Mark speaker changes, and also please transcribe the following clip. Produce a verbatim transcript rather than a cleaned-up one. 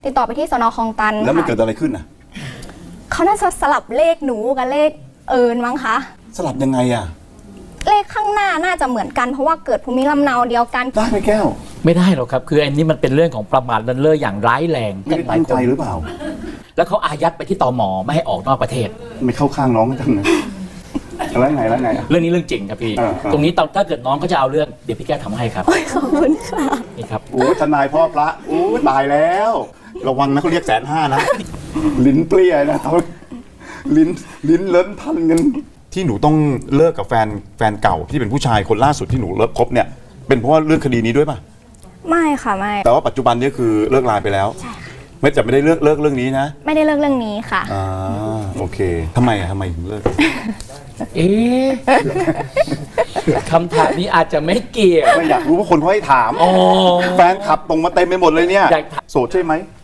Speaker 1: ติดต่อไปที่สน.คลองตัน
Speaker 2: แล้วมัน
Speaker 1: ค่ะ
Speaker 2: เกิดอะไรขึ้นอ่ะ
Speaker 1: เขาน่าจะสลับเลขหนูกับเลขเอิญมั้งคะ
Speaker 2: สลับยังไงอ่ะ
Speaker 1: เลขข้างหน้าน่าจะเหมือนกันเพราะว่าเกิดภูมิลำเนาเดียวกัน
Speaker 2: ได้ไหมแก้ว
Speaker 3: ไม่ได้หรอกครับคืออันนี้มันเป็นเรื่องของประมาทเลินเล่ออย่างร้ายแรง
Speaker 2: ไม่ได้ตั้งใจหรือเปล่า
Speaker 3: แล้วเขาอายัดไปที่ตม.ไม่ให้ออกนอกประเทศ
Speaker 2: ไม่เข้าข้างน้องจังเลยแล้วไงแล้วไง
Speaker 3: เรื่องนี้เรื่องจริงครับพี่ตรงนี้ถ้าเกิดน้องก็จะเอาเรื่องเดี๋ยวพี่แก้วทำให้ครับ
Speaker 1: ขอบคุณค่ะ
Speaker 3: นี่ครับ
Speaker 2: โอ้ทนายพ่อพระโอ้ตายแล้วระวังนะเขาเรียกแสนห้านะลิ้นเปรี้ยนะเขาลิ้นลิ้นเลิ้นพันกันที่หนูต้องเลิกกับแฟนแฟนเก่าที่เป็นผู้ชายคนล่าสุดที่หนูเลิกคบเนี่ยเป็นเพราะว่าเรื่องคดีนี้ด้วยป่ะ
Speaker 1: ไม่ค่ะไม่
Speaker 2: แต่ว่าปัจจุบันนี้คือเลิกลาไปแล้ว
Speaker 1: ใช่ค่ะ
Speaker 2: ไม่จะไม่ได้เลิกเลิกเรื่องนี้นะ
Speaker 1: ไม่ได้เลิกเรื่องนี้ค่ะ
Speaker 2: อ่าโอเคทำไมอ่ะทำไมถึงเลิก
Speaker 3: เอ๊ะคำถามนี้อาจจะไม่เกี่ยว
Speaker 2: ไม่อยากรู้ว่าคนเขาให้ถามแฟนขับตรงมาเต็มไปหมดเลยเนี่ยโสดใช่ไหม